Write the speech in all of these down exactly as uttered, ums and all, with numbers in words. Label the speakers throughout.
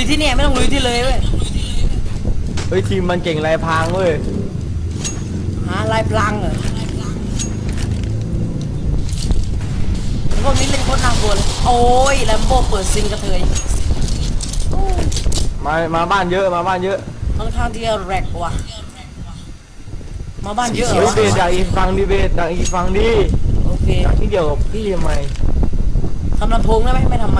Speaker 1: ที่เนี่ยไม่ต้องลุยที่เลยเว้ย
Speaker 2: เฮ้ยทีมมันเก่งลายพรางเว้ย
Speaker 1: หาลายพลังเหรอพวกนี้เล่นโคตรน่ากลัวเลยโอ้ยแลมโบ้เปิดซิงกระเทย
Speaker 2: มามาบ้านเยอะมาบ้านเยอะ
Speaker 1: ค่อนข้างที่จะแรกว่ะมาบ้านเยอะเหรอ
Speaker 2: เบสดักอีกฟังดิเบสดักอีกฟังดิ
Speaker 1: โอเค
Speaker 2: ดักที่เดียวกับพี่ทำไม
Speaker 1: ทำลำโพงได้ไหมไม่ทำไม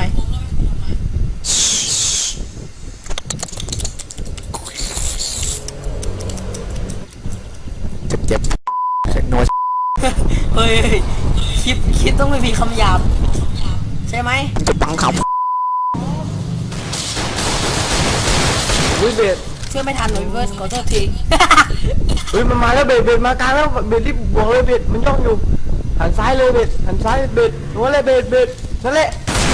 Speaker 3: เจ็บเจ็บโน้ต
Speaker 1: เฮ้ยคลิปคลิปต้องไม่มีคำหยาบใช่ไหม
Speaker 3: จะบังคับ
Speaker 2: อุ้ยเบส
Speaker 1: เชื่อไม่ทันหนูเวิร์สขอโทษที
Speaker 2: เฮ้ยมันมาแล้วเบสเบสมากลางแล้วเบสรีบบวกเลยเบสมันย่องอยู่หันซ้ายเลยเบสหันซ้ายเบสหัวเลยเบสเบสนั่นแหละ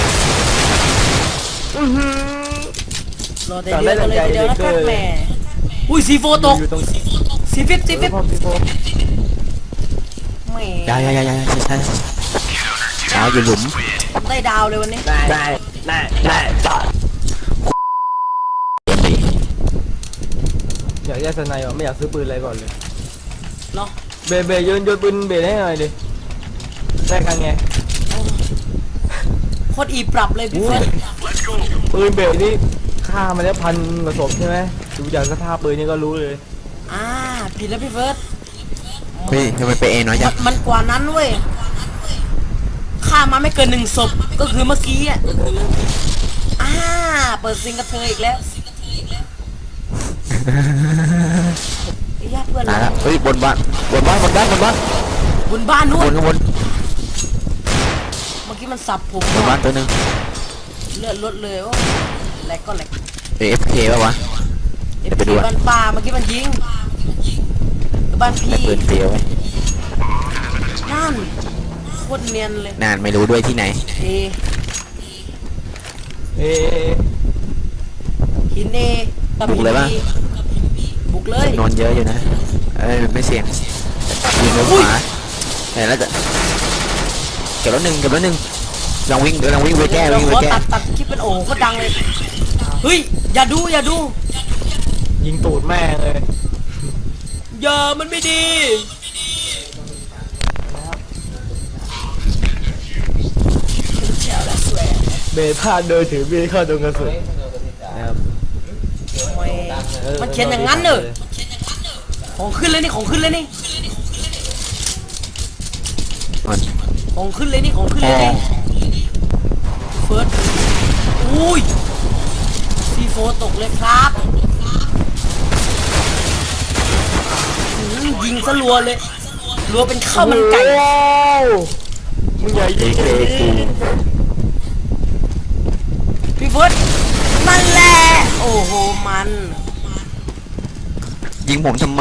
Speaker 2: อือหือ
Speaker 1: รอแต่เดียวกันเลยเดียวนะครับแม่อุ้ยซีโฟตกซีฟิปซีฟิปแม่
Speaker 3: ยายายายาใช่ใช่ดาวอยู่หลุม
Speaker 1: ได้ดาวเลยวันนี้
Speaker 2: ได้ได้ได้ได้อยากแยกสไนด์ไม่อยากซื้อปืนอะไรก่อนเลย
Speaker 1: เนาะ
Speaker 2: เบเบโยนโยนปืนเบให้หน่อยดิได้กันไง
Speaker 1: โคตรอีปรับเลยพี่เฟิร์ส
Speaker 2: ปืนเบนี่ฆ่ามาแล้วพันกระสบใช่ไหมดูจากสภาพปืนนี่ก็รู้เลย
Speaker 1: อ่าผิดแล้วพี่เฟิร์ส
Speaker 3: เฮ้ยทำไมไปเองน้อยจัง
Speaker 1: มันกว่านั้นเว้ยฆ่ามาไม่เกินหนึ่งศพก็คือเมื่อกี้อ่ะอ่าเปิดซิงกระเทยอีกแล้วญาติเพื่อน
Speaker 3: เราเฮ้ยบนบ้านบนบ้านบนบ้านบนบ้าน
Speaker 1: บนบ้านนู้น
Speaker 3: บนข้างบน
Speaker 1: เมื่อกี้มันสับผม
Speaker 3: บนบ้านตัวนึง
Speaker 1: เลือดลดเลยโอ้แหลกก็แหลก
Speaker 3: เอฟเคป่ะวะ
Speaker 1: เดี๋ยวไปดูบ้านป่าเมื่อกี้มันยิงบ้านพี่
Speaker 3: ปืนเตียว
Speaker 1: นั่นโคตรเนียนเลย
Speaker 3: นานไม่รู้ด้วยที่ไหน
Speaker 1: เอ
Speaker 2: เอ
Speaker 1: หินเอ
Speaker 3: บุกเลยป่ะ
Speaker 1: บุกเลย
Speaker 3: นอนเยอะอยู่นะเอ้ยไม่เสี่ยงยิงลงขวาเห็นแล้วจะเก็บแล้วหนึ่งเก็บแล้วหนึ่งลองวิ่งลองวิ่งไปแก้วิ่งไปแก้
Speaker 1: ตัดตัดคลิปเป็นโอ้โคตรดังเลยเฮ้ยอย่าดูอย่าดู
Speaker 2: ยิงตูดแม่เลย
Speaker 1: อย่ามันไม่ดี
Speaker 2: เบพาเดินถือบีเข้าตรงกระสุน
Speaker 1: มันเขียนอย่างนั้นเนอะของขึ้นเลยนี่ของขึ้นเลยนี่ของขึ้นเลยนี่ของขึ้นเลยนี่เฟิร์สอุ้ยซีโฟตกเลยครับยิงซะรัวเลยรัวเป็นข้าวมันไก่
Speaker 2: มึงใหญ่ยิงเลย
Speaker 1: พี่เฟิร์สนั่นแหละโอ้โหมัน
Speaker 3: ยิงผมทำไม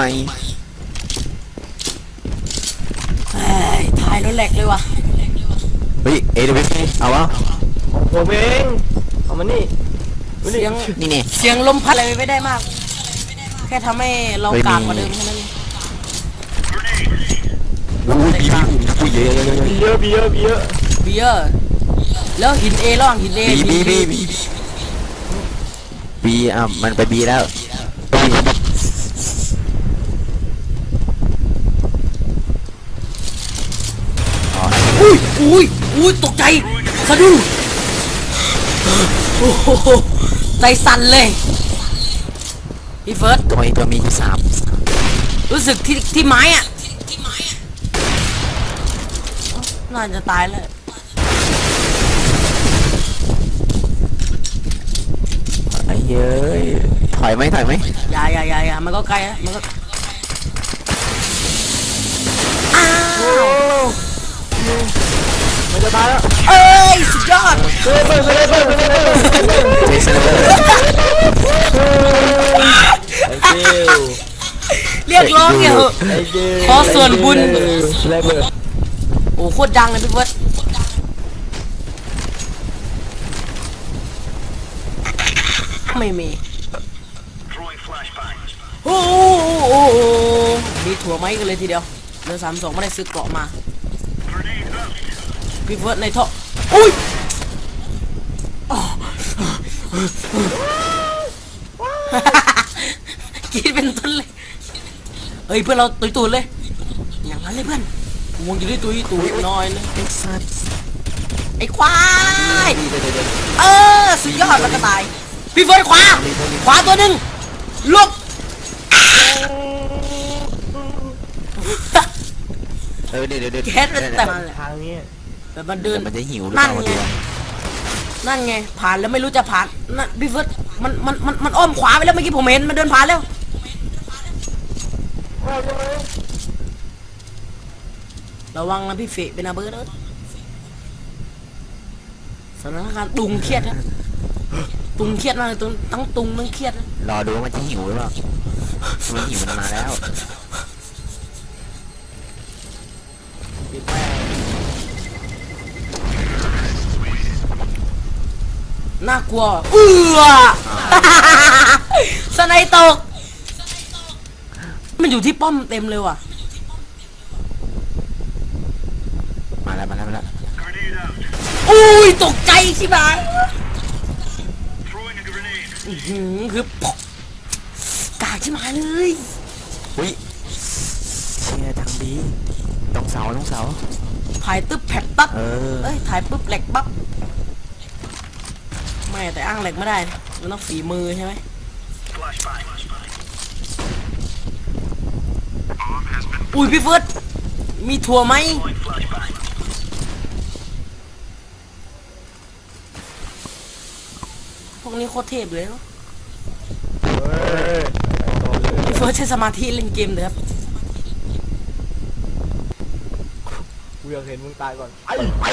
Speaker 1: เฮ้ยถ่ายแล้วแหลกเลยว่ะ
Speaker 3: เฮ้ยเอเดวิสเอาวะ
Speaker 2: ผมเองเอามานี่
Speaker 1: เสียง
Speaker 3: นี่เนี่ย
Speaker 1: เสียงลมพัดอะไรไม่ได้มากแค่ทำให้เรากากกว่าเดิมแค่นั้น
Speaker 3: โอ้ยบีบีเยอะ
Speaker 2: บีเยอะบีเยอะบีเยอะ
Speaker 1: บีเยอะแล้วหินเอระหว่างหินเอ
Speaker 3: บีบีบีบีอ่ะมันไปบีแล้ว
Speaker 1: อุ้ยอุ้ยอุ้ยตกใจสะดุ้งโอ้โหใจสั่นเลยพี่เฟิร์ส
Speaker 3: ตัวนี้ตัวมีที่สาม
Speaker 1: รู้สึกที่ที่ไม้อ่ะน่าจะตายแล้ว
Speaker 3: ไอ้เย้ยถอยไหมถอยไหม
Speaker 1: อย่าอย่าอย่าอย่ามันก็ไกลนะมันก็อ้าว
Speaker 2: มันจะตายแล้ว
Speaker 1: เอ้ยสุดยอด
Speaker 2: เฮ้ยเฮ้ยเฮ้ยเฮ้ยเฮ้ยเฮ้ย
Speaker 1: เรียกร้องเนี่ยขอส่วนบุญโอ้โคตรดังเลยพี่เฟิร์สไม่มีโอ้โหมีถั่วไม้กันเลยทีเดียวเรือสามสองไม่ได้ซื้อเกราะมาพี่เฟิร์สในท่ออุ้ยกินเป็นต้นเลยเฮ้ยเพื่อนเราตุยตูดเลยอย่างนั้นเลยเพื่อนวงจะได้ตุยตูดน้อยเลย
Speaker 3: ไอ้สัส
Speaker 1: ไอ้ควาย
Speaker 3: เดี๋ยวเดี๋ยวเดี๋ยว
Speaker 1: เออสุดยอดแล้วก็ตายพี่เฟิร์สขวาขวาตัวหนึ่งลบ
Speaker 3: เออเดี๋ยวเดี๋ยวเดี๋ยว
Speaker 1: แก๊สมันแต่มัน
Speaker 2: ทางนี้
Speaker 1: แต่มันเดิ
Speaker 3: เดี๋ย
Speaker 1: น
Speaker 3: วมันจะหิวหรือ
Speaker 1: นั่
Speaker 3: เป
Speaker 1: น
Speaker 3: ล่า
Speaker 1: ไง
Speaker 3: วะ
Speaker 1: นั่นไงผ่านแล้วไม่รู้จะผ่านนั่นพี่เฟิร์สมันมันมันมันอ้อมขวาไปแล้วเมื่อกี้ผมเห็นมันเดินผ่านแล้วระวังนะพี่เฟะเป็นอาเบิร์ดเอ้ยสถานการณ์ตุงเครียดนะตุงเครียดมากเลยตุงทั้งตุงทั้งเครียดนะ
Speaker 3: รอดูว่ามันจะหิวหรือเปล่ามันหิวมันมาแล้ว
Speaker 2: ปิดแม่ง
Speaker 1: น่ากลัวเอือ สไนตกมันอยู่ที่ป้อมเต็มเลยว่ะ
Speaker 3: มาแล้วมาแล้วมาแล้ว
Speaker 1: อุ้ยตกใจใช่ไหมอื้อหือคือปกกากใช่ไหมเลย
Speaker 3: อุ้ยเชียร์ทางดีต้องเสาต้องเสา
Speaker 1: ถ่ายตึ๊บแผดปั๊บ
Speaker 3: เออ
Speaker 1: เอ้ยถ่ายปุ๊บแหลกปั๊บไม่แต่อ้างแหลกไม่ได้นะมันต้องฝีมือใช่ไหมอุ้ยพี่เฟิร์สมีถั่วไหมพวกนี้โคตรเทพเลยเนอะ
Speaker 2: เฮ้ยต่อเลย
Speaker 1: พี่เฟิร์สใช้สมาธิเล่นเกมเลยครับ
Speaker 2: กูอยากเห็นมึงตายก่อนไอ้ไป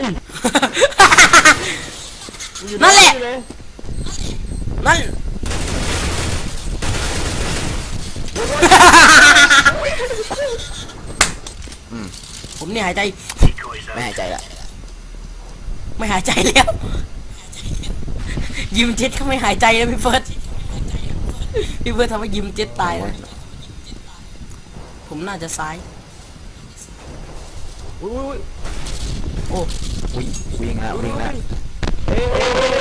Speaker 1: นั่นแหละ นั่น ผมเนี่ยหายใจ
Speaker 3: ไม่หายใจละ
Speaker 1: ไม่หายใจแล้ว ยิมเจ็ตเขาไม่หายใจแล้วพี่เฟิร์สพี่เฟิร์สทำให้ยิมเจ็ตตายนะผมน่าจะซ้าย
Speaker 2: อุ้ยอุ้ย
Speaker 1: โอ้
Speaker 3: อุ้ยวิ่งแล้ววิ่งแล้ว
Speaker 2: เอ้ย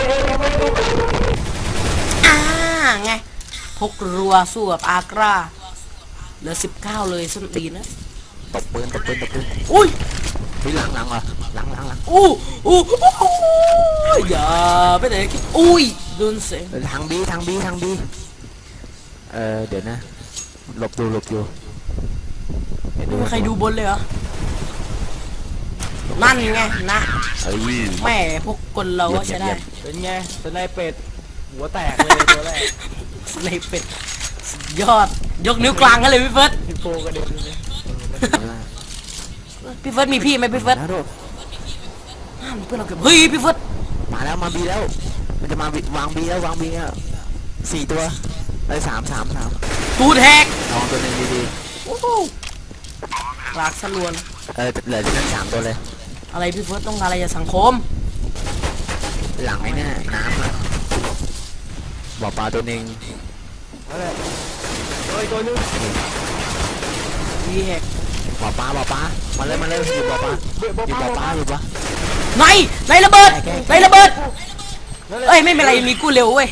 Speaker 1: อ่าไงพกรัวสู้กับอากราเหลือสิบเก้าเลยส้นตีนนะ
Speaker 3: ตบปืนตบปืนตบปืน
Speaker 1: อุ้ย
Speaker 3: อุ้ยหลังหลังเหรอหลังหลังหลัง
Speaker 1: อู้อู้อู้อย่าไปไหนคิดอุ้ยโดนเสียง
Speaker 3: เออทางบีทางบีทางบีเออเดี๋ยวนะหลบดูหลบอยู่เดี๋ยว
Speaker 1: ไม่มีใครดูบนเลยเหรอนั่นไงนะ
Speaker 3: เอ้ย
Speaker 1: แม่พวกคนเราก็ใช้ได้
Speaker 2: เป็นไงสไนเป็ดหัวแตกเลยตัวแรก
Speaker 1: ในเป็ดสุดยอดยกนิ้วกลางกันเลยพี่เฟิร์ส
Speaker 2: พี่โปกระเด็นเลย
Speaker 1: พี่เฟิร์สมีพี่ไหมพี่เฟิร์ส
Speaker 3: นะโดด
Speaker 1: อ้าวเพื่อนเราเก็บเฮ้ยพี่เฟิร์ส
Speaker 3: มาแล้วมาบีแล้ว มันจะมาบีวางบีแล้ววางบีแล้วสี่ตัวไอ้ยสามสามสาม
Speaker 1: ตูดแหก
Speaker 3: ลองตัวหนึงดี
Speaker 1: โอ้โหรากสลวน
Speaker 3: ๆเออเหลือที่นั่นสามตัวเลย
Speaker 1: อะไรพี่เฟิร์สต้องการอะไรจากสังคม
Speaker 3: หลังไอ้เนี่ยน้ำอะบ่อปลาตัวหนึ่ง
Speaker 2: นั่นแหละเฮ้ยตัวนึง
Speaker 1: วีแหก
Speaker 3: บ่อปลาบ่อปลามาเลยมาเลยอยู่บ่อปลา
Speaker 2: เบื่อ
Speaker 3: อยู่บ่อปลาอยู่ปะ
Speaker 1: ในในระเบิดในระเบิด
Speaker 2: นั่นแหละ
Speaker 1: เอ้ยไม่เป็นไรมีกู้เร็วเว้ย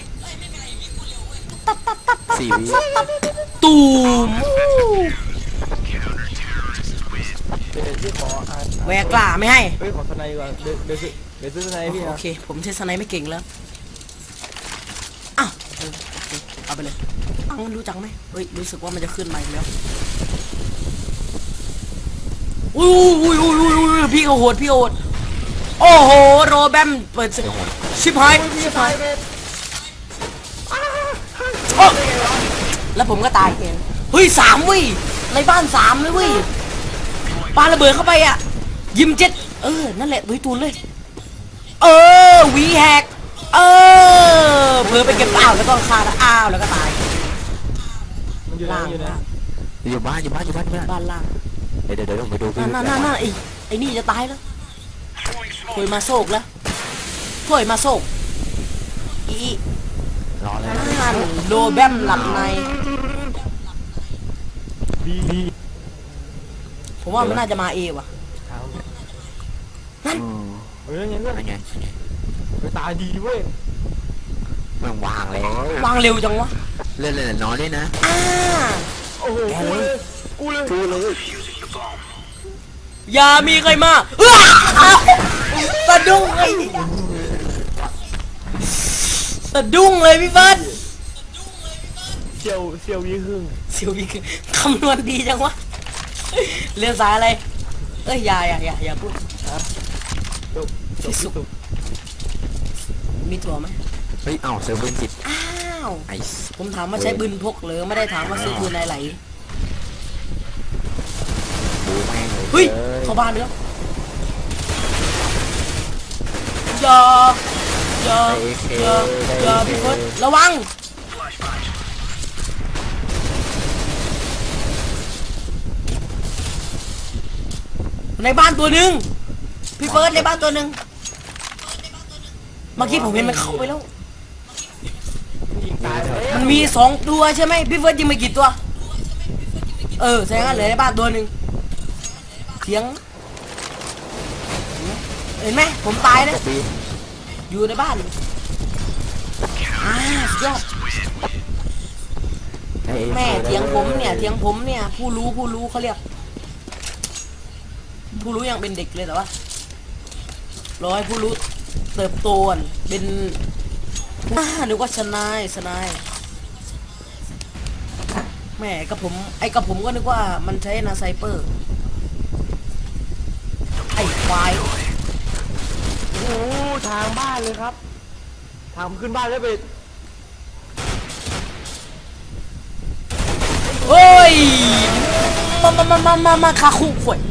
Speaker 3: สี่วิ
Speaker 1: ตูม
Speaker 2: เดี๋ยวพี่ขออ่าน
Speaker 1: แหวกกล้าไม่ให้
Speaker 2: เฮ้ยขอสไนก่อนเดี๋ยวเดี๋ยวซื้อเดี๋ยวซื้อสไนพี่
Speaker 1: โอ
Speaker 2: นะ
Speaker 1: เคผมใช้สไนไม่เก่งแล้วอ้าวเออโอเคเอาไปเลยอ้าวมันรู้จักไหมเฮ้ยรู้สึกว่ามันจะขึ้นมาอีกแล้วอุ้ยอุ้ยอุ้ยอุ้ยอุ้ยพี่เขาโหดพี่เขาโหดโอ้โหโรแบมเปิดสิชิบหายชิบหายโอ้แล้วผมก็ตายเองเฮ้ยสามเว้ยในบ้านสามเลยเว้ยปาระเบิดเข้าไปอ่ะยิมเจ็ดเออนั่นแหละตุยตูนเลยเออวีแฮกเออเพิ่ไปเก็บอ้าวแล้วก็ฆ่าแล้วอ้าวแล้วก็ตาย
Speaker 2: มันอยู่ไหน
Speaker 1: ล่าง
Speaker 2: อยู่ไหน
Speaker 1: ล่าง
Speaker 3: อยู่บ้านอยู่บ้านอยู่บ้านอยู่บ้าน
Speaker 1: บ้านล่าง
Speaker 3: เดี๋ยวเดี๋ยวเดี๋ยวผมไปดู
Speaker 1: นั่นนั่นนั่นนั่นไอ้ไอ้นี่จะตายแล้วถอยมาโศกแล้วถอยมาโศกอี
Speaker 3: รอเลย
Speaker 1: นั่นโลแบมหลับใน
Speaker 2: ดีดี
Speaker 1: ผมว่ามันน่าจะมาเอว่ะ
Speaker 2: เท้า
Speaker 3: อืม
Speaker 2: เฮ้ยยังไง
Speaker 3: นั่นไง
Speaker 2: ไปตาดีเว้ย
Speaker 3: มันวางแล้ว
Speaker 1: วางเร็วจังวะ
Speaker 3: เล่นเล่นนอนด้วยนะ
Speaker 1: อ่า
Speaker 2: โอ้โหกูเลยกูเลย
Speaker 3: กูเลย
Speaker 1: อย่ามีใครมาอ้าวสะดุ้งเลยสะดุ้งเลยพี่เฟิร์ส
Speaker 2: เซียวเซียวยี่หึ่ง
Speaker 1: เสียวพี่คำนวณดีจังวะเรียนสายอะไรเอ้ยอย่าอย่าอย่าอย่าพูด
Speaker 2: จบจบสุด
Speaker 1: มีถั่วไหม
Speaker 3: เฮ้ยเอ้าเซอร์เวอร์จิต
Speaker 1: อ้าว
Speaker 3: ไอ้
Speaker 1: ผมถามว่าใช้ปืนพกหรือไม่ได้ถามว่าซื้อปืนอะไร
Speaker 3: บูแม่งเลย
Speaker 1: เฮ้ยเข้าบ้านแล้วอย่าอย่าอย่าอย่าพี่เฟิร์สระวังในบ้านตัวหนึ่งพี่เฟิร์สในบ้านตัวหนึ่งเมื่อกี้ผมเห็นมันเข้าไปแล้ว
Speaker 2: ยิงตายเลย
Speaker 1: มันมีสองตัวใช่ไหมพี่เฟิร์สยิงไปกี่ตัว เออแสดงว่าเหลือในบ้านตัวหนึ่งเสียงเห็นไหมผมตายนะ
Speaker 3: ปี
Speaker 1: อยู่ในบ้านอ่าสุดยอดแม่เถียงผมเนี่ยเถียงผมเนี่ยผู้รู้ผู้รู้เขาเรียก ผู้รู้ยังเป็นเด็กเลยแต่ว่ารอให้ผู้รู้เติบโตก่อนเป็นอ่าหรือว่าชนายชนายแม่กับผมไอ้กับผมก็นึกว่ามันใช้นาไซเปอร์ไอ้ควาย
Speaker 2: โอ้โหทางบ้านเลยครับทางขึ้นบ้านแล้วเบ็ด
Speaker 1: เฮ้ยมามามามามามาคาคุข่วย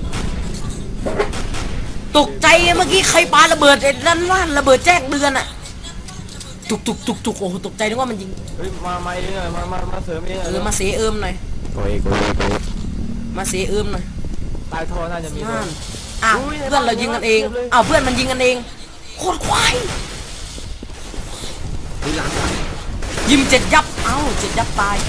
Speaker 1: ตกใจเมื่อกี้ใครปาระเบิดไอ้นั่นว่านระเบิดแจ้งเดือนอะตุกตุกตุกตุกโอ้โหตกใจนึกว่ามันยิง
Speaker 2: เฮ้ยมามาเองเลยมามามาเสริมเอง
Speaker 1: เอ
Speaker 2: เล
Speaker 1: อย มาเสเอิมหน่อย
Speaker 3: โอ้ยกูกู
Speaker 1: มาเสเอิมหน่อย
Speaker 2: ตายทอน่าจะมี
Speaker 1: นั่นอ้าวเพื่อนเรายิงกันเองอ้าวเพื่อนมันยิงกันเองโคตรควาย
Speaker 3: ดูหลังหลัง
Speaker 1: ยิมเจ็ดยับเอ้าเจ็ดยับตาย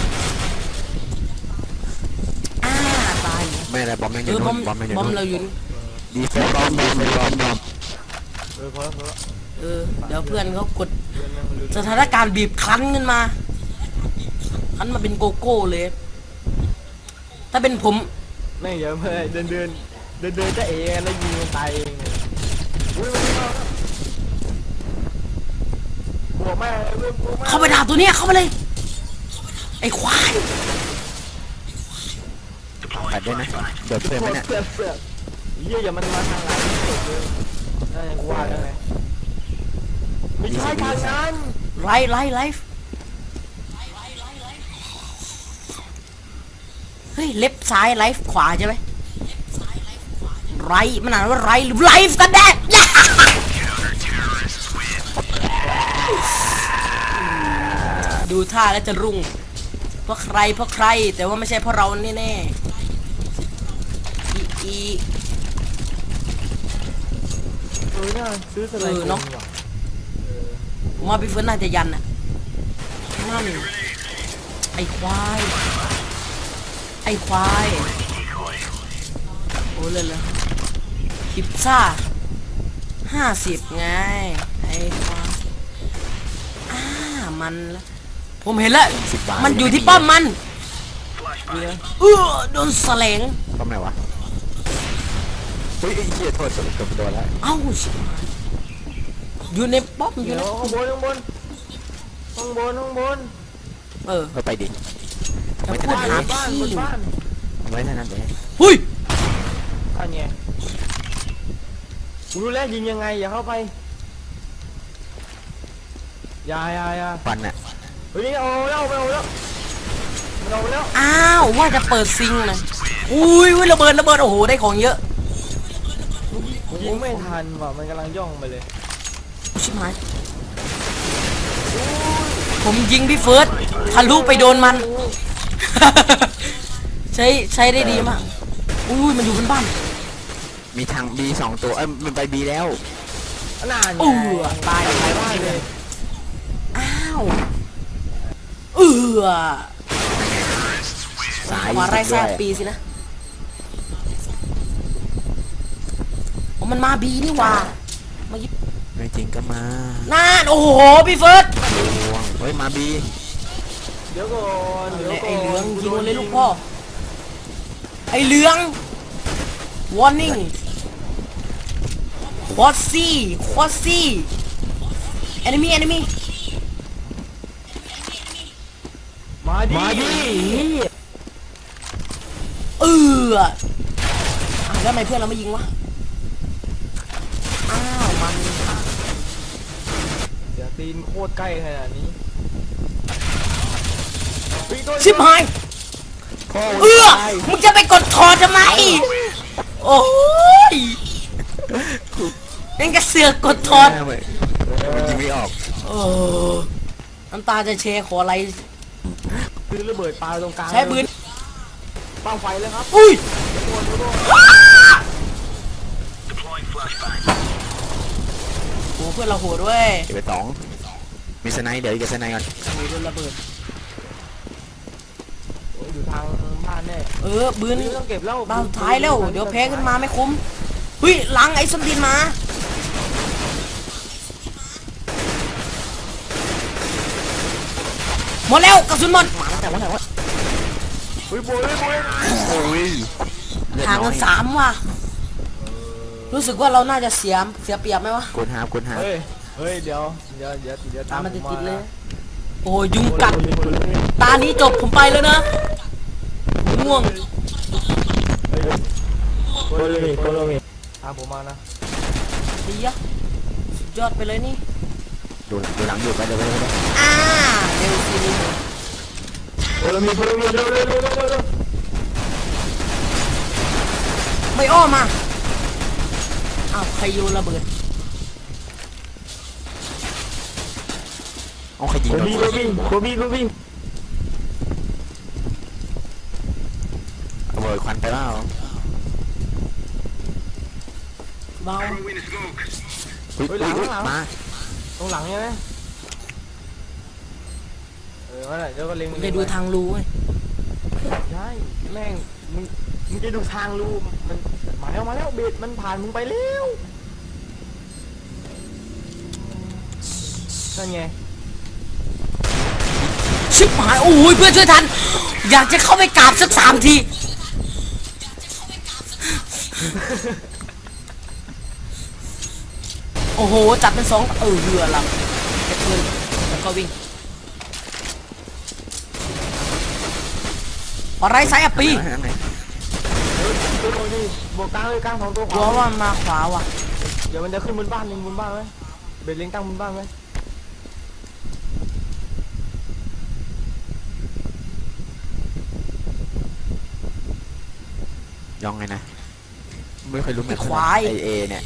Speaker 1: อ่าตาย
Speaker 3: ไม่อะไรบอมแม่งอ
Speaker 1: เอยู่ อบอ
Speaker 3: นู่
Speaker 1: ม
Speaker 3: นบอมแม่งอยู่
Speaker 1: บอม
Speaker 3: นู่น
Speaker 1: เราอยู่
Speaker 3: ดีเฟนบอมบอมบอมบอม
Speaker 2: เออพอแล้วพอแล้ว
Speaker 1: เออเดี๋ยวเพื่อนเขากด
Speaker 2: เดินมาเร็ว
Speaker 1: สถานการณ์บีบคั้นขึ้นมาคั้นมาเป็นโกโก้เลย ถ้าเป็นผม
Speaker 2: แม่งเดี๋ยวมาเดินเดินเดินเดินจะเองแล้วยิงมันตายเองอุ้ยมันไม่มาบวกแม่เว้ยบวกแม่
Speaker 1: เข้าไปด่าตัวเนี้ยเข้าไปเลย ไอ้ควาย
Speaker 3: ปัดด้วยนะเดี๋ยวเพื่อนไหมเนี่ย
Speaker 2: เสือกเสือกเยี่ยอย่ามันมาทางหลังสุดเลยนั่นไงกูว่าแล้วไงไม่ใช่ทางนั้น
Speaker 1: ไลฟ์ไลฟ์ไลฟ์เฮ้ยเล็บซ้ายไลฟ์ขวาใช่ไหมไรมันอ่านว่าไรหรือไลฟ์กันแน่ ดูท่าแล้วจะรุ่งเพราะใครเพราะใครแต่ว่าไม่ใช่เพราะเราแน่ๆอีอี
Speaker 2: เออน่าซื้อสไลด์
Speaker 1: เออเนอะ
Speaker 2: ว่ะ
Speaker 1: ผมว่าพี่เฟิร์นน่าจะยันน่ะนั่นไอ้ควาย ไอ้ควาย โอ้เลยเลยพิซซ่าห้าสิบไง ไอ้ควายอ่ามันละผมเห็นแล้ว
Speaker 3: สิบบาท
Speaker 1: มันอยู่ที่ป้อมมันเออโดนแสลง
Speaker 3: ป้อมไหนวะเฮ้ยไอ้เหี้ยโทษสรุปเกือบโดนแล้ว
Speaker 1: เอ้าชิบหายอยู่ในป้อมอยู่
Speaker 2: เดี๋
Speaker 1: ใน
Speaker 2: ยวข้างบนข้างบนข้างบนข้างบน
Speaker 1: เออ
Speaker 3: ก็ไปดิ
Speaker 1: จะพูด
Speaker 2: บ้าน
Speaker 1: หา
Speaker 2: บ้าน
Speaker 1: ที่
Speaker 2: บนบ้าน
Speaker 3: เอาไว้เท่านั้นเลย
Speaker 1: หุ้ย
Speaker 2: อันไงกูรู้แล้วยิงยังไงอย่าเข้าไปอย่าอย่าอย่า
Speaker 3: ฟันน่ะ
Speaker 2: เฮ้ยเอาแล้วเอาแล้วมันเอาแล้ว
Speaker 1: อ้าวว่าจะเปิดซิงนะอุ้ยอุ้ยระเบิดระเบิดโอ้โหได้ของเยอะ
Speaker 2: ยิงไม่ทันว่ะมันกำลังย่องไปเลย
Speaker 1: ชิบหายผมยิงพี่เฟิร์สทะลุไปโดนมัน ใช้ใช้ได้ดีมากอุ้ยมันอยู่บนบ้าน
Speaker 3: มีทางบีสองตัวเอ้ยมันไปบีแล้ว
Speaker 2: นาน
Speaker 1: อู้
Speaker 2: ไง
Speaker 1: ตาย
Speaker 2: ตายบ้านเลย
Speaker 1: อ้าวเออ
Speaker 3: สาย
Speaker 1: ขวาไร่แซ่
Speaker 3: ด้วย
Speaker 1: ปีสินะโอ้มันมาบีนี่หว่ามายิบ
Speaker 3: ไม่จริงก็มา
Speaker 1: น่านโอ้โหพี่เฟิร์ส
Speaker 3: ดวงเฮ้ยมาบี
Speaker 2: เดี๋ยวก่อนเดี๋ยวก่อน
Speaker 1: ไอ้เหลืองยิงมันเลยลูกพ่อไอ้เหลือง warning ควอซี่ควอซี่ enemy enemy
Speaker 2: มาดิมาดิ
Speaker 1: เอออ่ะแล้วทำไมเพื่อนเราไม่ยิงวะอ้าวมัน
Speaker 2: เดี๋ยวตีนโคตรใกล้ขนาดนี้
Speaker 1: ชิบหายเออมึงจะไปกดถอดทำไมโอ้ยนั่นก็เสือกกดถอด
Speaker 3: มันยิงไม่ออก
Speaker 1: เออน้ำตาจะเชขออะไร
Speaker 2: คือระเบิดปลาตรงกลาง
Speaker 1: ใช้ปืน
Speaker 2: ปังไฟเลยครับ
Speaker 1: อุ้ยโอ้เพื่อนเราโหดด้วย
Speaker 3: เก็บไปสองมีสไนด์เดี๋ยวอีกสไนด์ก่อน
Speaker 1: โอ้ยโดนระเบิด
Speaker 2: โอ้ยอยู่ทางบ้านแน่
Speaker 1: เออบืน
Speaker 2: ไม่ต้องเก็บแล้ว
Speaker 1: บ้านสุดท้ายแล้วเดี๋ยวแพ้ขึ้นมาไม่คุ้มเฮ้ยหลังไอ้สมดินมาหมดแล้วกระสุนหมด
Speaker 3: แต่ว่าแต่ว่า
Speaker 2: เฮ้ยโบยโบย
Speaker 3: โอ้ย
Speaker 1: ห่างกันสามว่ะรู้สึกว่าเราน่าจะเสียเสียเปรียบไหมวะ
Speaker 3: กดหาบกดหาบ
Speaker 2: เฮ้ยเฮ้ยเดี๋ยวเดี๋ยวเดี๋ยวเดี๋ยว
Speaker 1: ตามมัน
Speaker 2: ผ
Speaker 1: ติดๆเลย
Speaker 2: นะ
Speaker 1: โอ้ยยุงกัดตานี้จบผมไปแล้วนะง่วง
Speaker 2: โคโลมิโคโลมิตามผมมานะ
Speaker 1: ดีอะสุดยอดไปเลยนี่
Speaker 3: ดูดูหลังอยู่ไปเดี๋ยวไปเดี๋ยวไป
Speaker 1: อ่าเร็วสิ
Speaker 2: โคโลมิโคโลมิเร็วเร็วเร็วเร็วเร็ว
Speaker 1: ไม่อ้อมาอ้าวใครโยนระเบิด
Speaker 3: เอาใครยิง
Speaker 2: โค
Speaker 3: โดน
Speaker 2: บีโคบีโคบีโคบี
Speaker 3: ระเบิดควันไปเปล่า
Speaker 1: เบา
Speaker 3: อุ้ยอุ้ยอุ้ยมา
Speaker 2: ตรงหลังใช่ไหมเออว่าไหนเดี๋ยวก็เล็ง
Speaker 1: ได้ดูทางรูเว้ย
Speaker 2: ใช่แม่งมึงมึงจะดูทางรูมันมาแล้วมาแล้วเบ็ดมันผ่านมึงไปแล้วนั่นไง
Speaker 1: ชิบหายโอ้ยเพื่อนช่วยทัน อยากจะเข้าไปกราบสักสามทีโอ้โหจับเป็นสองเออเรือละเก็บปืนแล้วก็วิ่งอะไรสายอัปปี
Speaker 3: ข้างใน
Speaker 2: ตัวโอ้ยนี่บวกกลางเลยกลางของตัวข
Speaker 1: กลัว
Speaker 2: วา
Speaker 1: ว่ามันมาขวาว่ะ
Speaker 2: เดี๋ยวมันจะขึ้นบนบ้านเล็งบนบ้านไหมเบ็ดเล็งตั้งบนบ้านไหม
Speaker 3: ยองไงนะไม่เคยรู้เหมือน
Speaker 1: ควาย
Speaker 3: ไอเอเนี่ย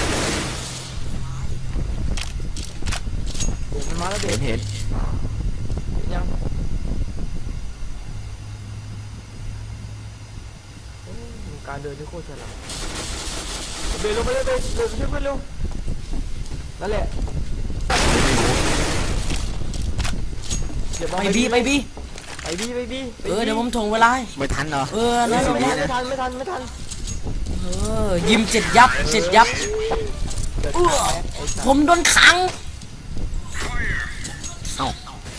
Speaker 2: เบ็ดมันมาแล้วเบ็
Speaker 3: เห็
Speaker 2: ด
Speaker 3: นเห็น
Speaker 2: ยังโอ้ยการเดินที่โคตรฉลาดเบ็ดลงไปเลยเบ็ดเบ็ดช่วยเพื่อนเร็วนั่นแหละเดี๋ยวบอล
Speaker 1: ไปบีไปบี
Speaker 2: ไปบีไปบี
Speaker 1: เออเดี๋ยวผมถ่วงเวลาให้
Speaker 3: ไม่ทันเหรอ
Speaker 1: เออ
Speaker 2: ไม่
Speaker 1: นั่น
Speaker 2: ทัน
Speaker 1: แหละ
Speaker 2: ไม่ทันไม่ทันไม่ทัน
Speaker 1: เออยิมเจ็ดยับเจ็ดยับ
Speaker 2: เดี๋ยว
Speaker 1: เออผมโดนขัง
Speaker 3: เอ้า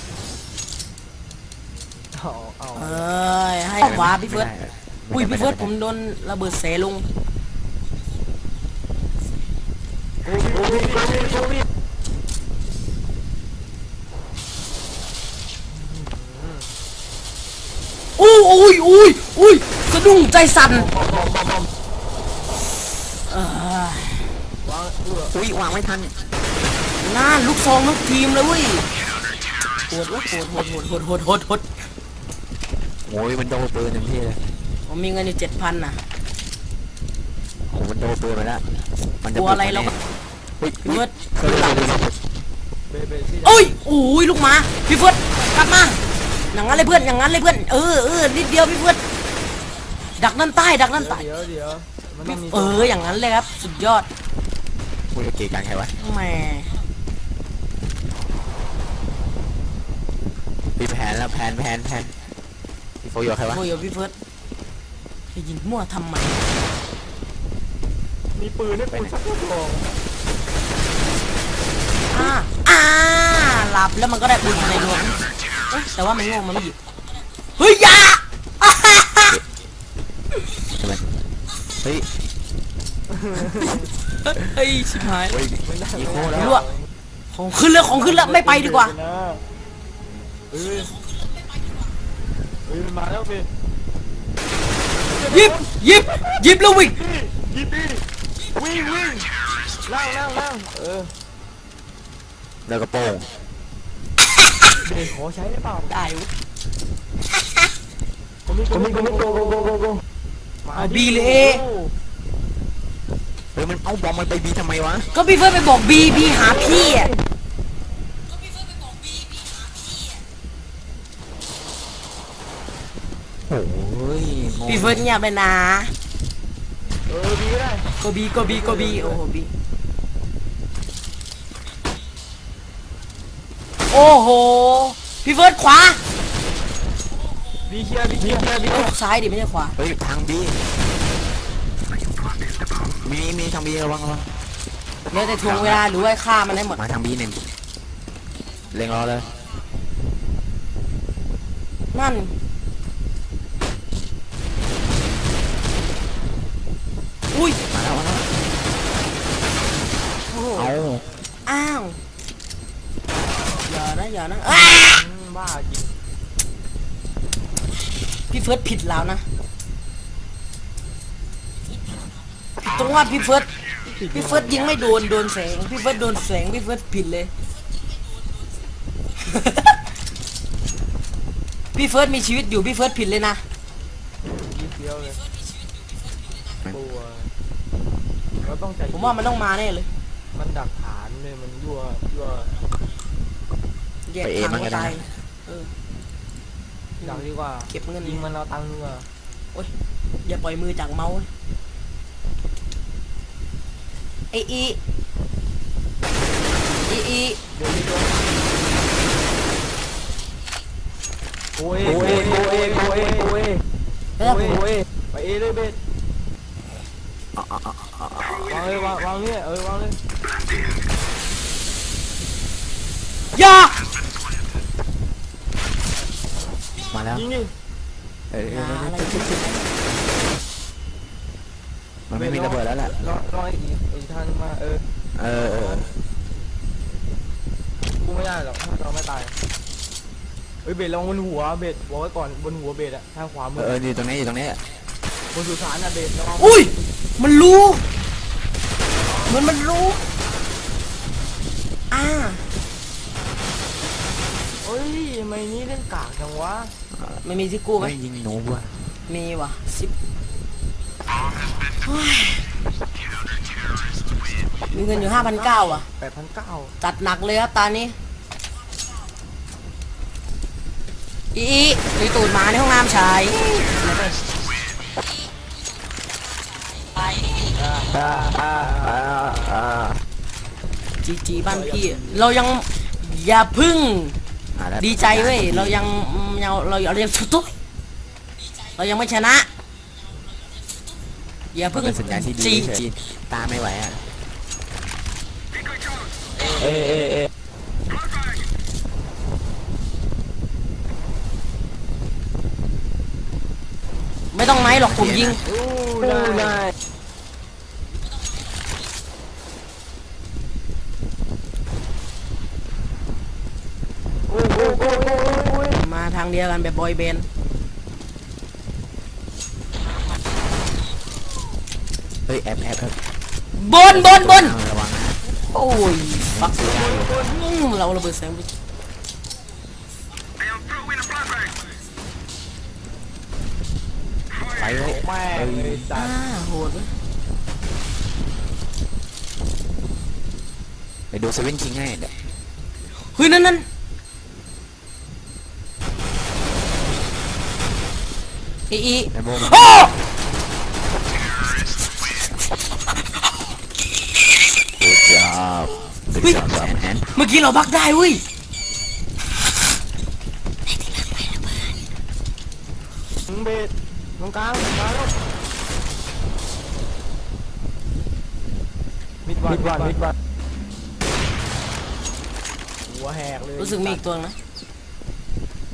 Speaker 2: เอาเอา
Speaker 1: เอ้ยให้ขวาพี่เฟิร์ส อุ้ยพี่เฟิร์สผมโดนระเบิดเสลง
Speaker 2: โอ้ยโอ้ยโอ้ยโอ้ย
Speaker 1: อุ้ยอุ้ยอุ้ยอุ้ยสะดุ้งใจสั่นเออ
Speaker 2: วางเออ
Speaker 3: อุ้ยวางไม่ทัน
Speaker 1: น่าลูกซองลูกทีมเลยเว้ยโหดวะโหดโหดโหดโหดโหดโหด
Speaker 3: โอ้ยมันโดนปืนเต็มที่เลย
Speaker 1: ผมมีเงินอยู่เจ็ดพันน่ะ
Speaker 3: โอ้มันโดนปืนไปแล้วมันจะ
Speaker 1: กลัวอะไรเราก็
Speaker 3: อุ้ย
Speaker 1: พี่เฟิร์ส
Speaker 3: เคยหลัง
Speaker 2: เบเบซี่
Speaker 1: โอ้ยโอ้ยลูกหมาพี่เฟิร์สกลับมาอย่างนั้นเลยเพื่อนอย่างนั้นเลยเพื่อนเออเออนิดเดียวพี่เฟิร์สดักนั่นใต้ดักนั่นใต้
Speaker 2: เดี๋ยวเดี๋ยวมันต้องมี
Speaker 1: เอออย่างนั้นเลยครับสุดยอด
Speaker 3: อุ้ยเกี่กันใครวะ
Speaker 1: แหม
Speaker 3: มีแผนแล้วแผนแผนแผนพี่โฟอยู่ใครวะ
Speaker 1: โอ้ยพี่เฟิร์สจะยิงมั่วทำไม
Speaker 2: มีปืนให้ปืนสักกระบอก
Speaker 1: อ่าอ่าหลับแล้วมันก็ได้บุญในหลวงเอ๊ะแต่ว่ามันโง่มันไม่หยิบเฮ้ยอยา
Speaker 3: ใช่ไหมเฮ้ย
Speaker 1: เฮ้ยชิบหาย
Speaker 3: เฮ้ยอีโคแล้ว
Speaker 1: รั่วของขึ้นแล้วของขึ้นแล้วไม่ไปดีกว่า
Speaker 2: เฮ้ยเฮ้ยมันมาแล้วเบส
Speaker 1: หยิบหยิบหยิบแล้ววิ่ง
Speaker 2: หยิบดิวิ่งวิ่งล่างล่างล่างเออ
Speaker 3: แล้วก็โป้ง
Speaker 2: เบสขอใช้ได้เปล่า
Speaker 1: ได้เว้ย
Speaker 2: ผมมีผมมีผมมีโกโกโกโกโก
Speaker 1: เอาบีเลยเอ
Speaker 3: เฮ้ยมันเอาบอมมันไปบีทำไมวะ
Speaker 1: ก็พี่เฟิร์สไปบอกบีบีหาพี่อ่ะ
Speaker 3: โอ้ยงง
Speaker 1: พี่เฟิร์สเงียบไปนะ
Speaker 2: เออบีก็ได้
Speaker 1: ก็บีก็บีก็บีโอ้โหบีโอ้โหพี่เฟิร์สขวา
Speaker 2: บีเคลียร์บีเคลียร์บี
Speaker 1: เอ้ยซ้ายดิไม่ใช่ขวา
Speaker 3: เฮ้ยทางบีมีมีทางบีระวังระวัง
Speaker 1: เดี๋ยวแต่ทวงเวลาหรือว่าฆ่ามันให้หมด
Speaker 3: มาทางบีหนึ่งเล็งรอเลย
Speaker 1: นั่นอุ้ย
Speaker 3: มาแล้วมาแล้ว
Speaker 2: โอ้โห
Speaker 3: เอา
Speaker 1: อ้าวอย่านะอย่านะอ้า
Speaker 2: อืมบ้าจริง
Speaker 1: พี่เฟิร์สผิดแล้วนะผิดตรงว่าพี่เฟิร์สพี่เฟิร์สยิงไม่โดนโดนแสงพี่เฟิร์สโดนแสงพี่เฟิร์สผิดเลย พี่เฟิร์สมีชีวิตอยู่พี่เฟิร์สผิดเลยนะ
Speaker 2: บีเคียวเลยกลัวเราต้องใจ
Speaker 1: ผมว่ามันต้องมาแน่เลย
Speaker 2: มันดักฐานเลยมันยั่วยั่ว
Speaker 1: แยกทางก็ตายเออ
Speaker 2: ดักดีกว่า
Speaker 1: เก็บเงิน
Speaker 2: ยิงมันเอาตังค์ดีกว่า
Speaker 1: อย่าปล่อยมือจากเมาส์ไออีอีอี
Speaker 2: เดี๋ยวนี้ด้วยโอ้ยโอ้ยโอ้ยโอ้ยโอ้ย
Speaker 1: แล้วผม
Speaker 2: โอ้ยไปเอเลยเบส
Speaker 3: เอาเอาเอาเอาเอา
Speaker 2: วางเลยวางวางเนี่ยเออวางเลย
Speaker 1: อย่า
Speaker 3: มาแล้ว
Speaker 2: ยิงดิ
Speaker 3: เออ
Speaker 1: อย่าอะไร
Speaker 3: มันไม่มีระเบิดแล้วแหละ
Speaker 2: รอรออีกอีกทางมาเออ
Speaker 3: เออเออ
Speaker 2: กูไม่ได้หรอกถ้าเราไม่ตายเฮ้ยเบสลองบนหัวเบสบอกไว้ก่อนบนหัวเบสอะทางขวามื
Speaker 3: เอ
Speaker 2: อ
Speaker 3: ออยู่ตรงนี้อยู่ตรงนี้
Speaker 2: บนสุสานอะเบสระวัง
Speaker 1: อุ้ยมันรู้เหมือนมันรู้อ่า
Speaker 2: เฮ้ยทำไมนี้เล่นกากจังวะ
Speaker 1: ไม่มีที่กู้ไหม
Speaker 3: ไม่ยิงหนูว่ะ
Speaker 1: มีว่ะสิบเฮ้ยมีเงินอยู่ห้าพันเก้าอ่ะ
Speaker 2: แปดพันเก้า
Speaker 1: จัดหนักเลยครับตอนนี้อีอีตีตูดหมาในห้องน้ำชาย
Speaker 2: อ่าอ่าอ่าอ่า
Speaker 1: จีจีบ้านพี่เรายังอย่าพึ่ง
Speaker 3: อ่ะแล้ว
Speaker 1: ดีใจเว้ยเรายังเราเราเรายังสุดตุ๊เรายังไม่ชนะอย่า
Speaker 3: มัน
Speaker 1: พึ่ง
Speaker 3: เป็นสัญญาณที่ดี
Speaker 1: จี
Speaker 3: เฉยตาไม่ไหวอ่ะ
Speaker 2: เอเอเอ
Speaker 1: ไม่ต้องไม้หรอกผมยิง
Speaker 2: อู้ได้โอ้ยโอ้ยโอ้ยโอ้ยโอ้ย
Speaker 1: มาทางเดียวกันแบบบอยแบนด์
Speaker 3: เฮ้ยแอบแอบแอบบ
Speaker 1: นบนบน
Speaker 3: ระวังนะ
Speaker 1: โอ้ยฟักอืมเราระเบิดแสงไป
Speaker 3: ไปเว้ย
Speaker 2: แม่งเลยสั
Speaker 1: อ่า
Speaker 2: ตว์
Speaker 1: โหดเว้ย
Speaker 3: ไปดูเซเว่นคิงให้เดี๋ยว
Speaker 1: เฮ้ยนั่นนั่นอีอี
Speaker 3: ไอ้โบมัน
Speaker 1: โอ้
Speaker 3: Good job Good job Sam and
Speaker 1: เมื่อกี้เราบักได้เว้ย
Speaker 2: ถึงเบสตรงกลางมาแล้วมิดวันมิดวันมิดวันหัวแหกเลย
Speaker 1: รู้สึกมีอีกตัวนะ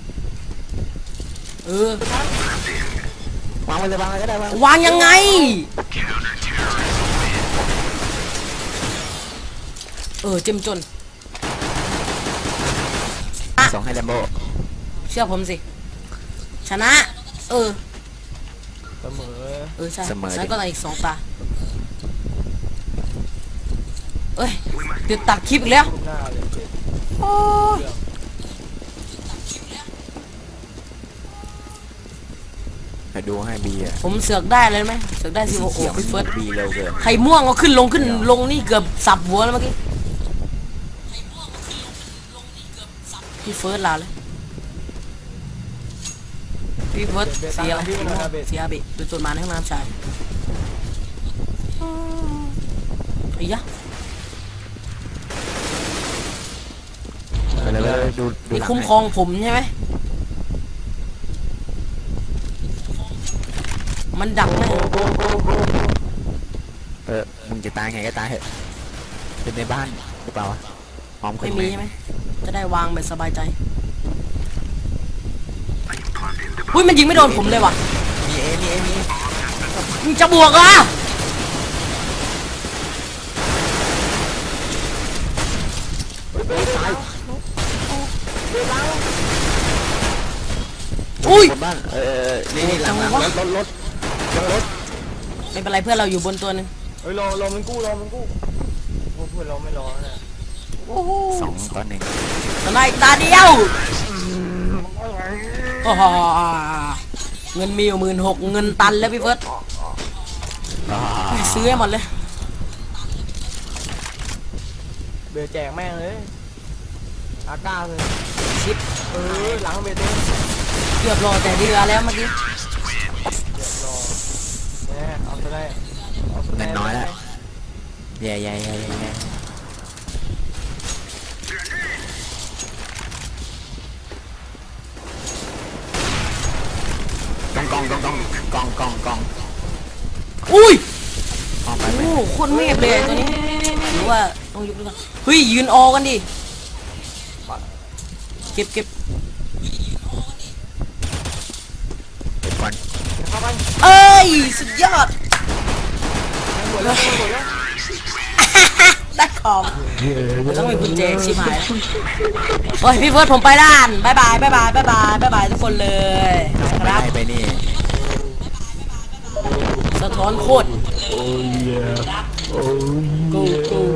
Speaker 1: เออ
Speaker 3: วางไว้เลยวางไว้ก็ได้วาง
Speaker 1: วางยังไงเออเจ็มจน
Speaker 3: สองให้แลมโบ
Speaker 1: เชื่อผมสิชนะเออ
Speaker 2: เสมอ
Speaker 1: เออใช่ฉันก็ต้องอีกสองตาเอ้ยติดตัดคลิปอีกแล้ว
Speaker 2: หน้าเลยเบ็ด
Speaker 1: โอ้ย
Speaker 3: ให้ดูให้บีอ่ะ
Speaker 1: ผมเสือกได้เลยไหมเสือกได้สิโอ้โหพี่เฟิร์ส
Speaker 3: บีเร็วเกิน
Speaker 1: ไข่ม่วงก็ขึ้นลงขึ้นลงนี่เกือบสับหัวแล้วเมื่อกี้พี่เฟิร์สลาเลยพี่เฟิร์สเสียอะไรเสียบิดูตัวมาในห้องน้ำชายไอ้ยะ
Speaker 3: ไปเลยไปเลยดูดู
Speaker 1: นี่
Speaker 3: หลัง
Speaker 1: คุ้ม
Speaker 3: ให้
Speaker 1: ครองผมใช่ไหมมันดักไหม
Speaker 3: เออมึงจะตายไงก็ตายเถอะเป็นในบ้านหรือเปล่าวะหอม
Speaker 1: ไม่มีใช่ไหมจะได้วางแบบสบายใจอุ้ยมันยิงไม่โดนผมเลยว่ะ
Speaker 3: มีเอมีเอมี
Speaker 1: มึงจะบวกอ่ะอุ้ย
Speaker 3: บนบ้านเออนี่นี่หลังหลังรถรถรถรถ
Speaker 1: ไม่เป็นไรเพื่อนเราอยู่บนตัวหนึง
Speaker 2: เฮ้ยรอรอมันกู้รอมันกู้โอ้เพื่อนเราไม่รอนะ
Speaker 3: สองต่อหนึ่ง
Speaker 1: ตอนนี้ตาเดียวโอ้โหเงินมีอยู่หมื่นหกเงินตันแล้วพี่เฟิร์ส
Speaker 3: อ่า
Speaker 1: ซื้อให้หมดเลย
Speaker 2: เบ็ดแจกแม่งเลยอาก้าเลย
Speaker 1: ชิป
Speaker 2: เออหลังเบ็ดเลย
Speaker 1: เกือบรอแต่เรือแล้วเมื่อกี้
Speaker 2: เรียบร้อยแน่เอาไปได้เอาไปได้
Speaker 3: เงินน้อยแล้วแย่แย่แย่แย่แย่กองกองกองกองกองกอง
Speaker 1: อุ้ย
Speaker 3: ออกไปไป
Speaker 1: โอ้โหโคตรเมฟเลยตัวนี้หรือว่าต้องยุบด้วยกันเฮ้ยยืนออกันดิเก็บเก็บ
Speaker 3: เก็บก่อน
Speaker 2: เข้าไป
Speaker 1: เอ้ยสุดยอด
Speaker 2: หมดแล้วหมดแล้ว
Speaker 1: ได้ของต้องมีกุญแจชิบหายแล้วโอ้ยพี่เฟิร์สผมไปด้านบายบายบายบายบายบายบายบายทุกคนเลยค
Speaker 3: ไม่
Speaker 1: รับ
Speaker 3: ได้ไปนี่
Speaker 1: สะท้อนโคตร
Speaker 2: โอ้ยโอ้ย
Speaker 1: กูกู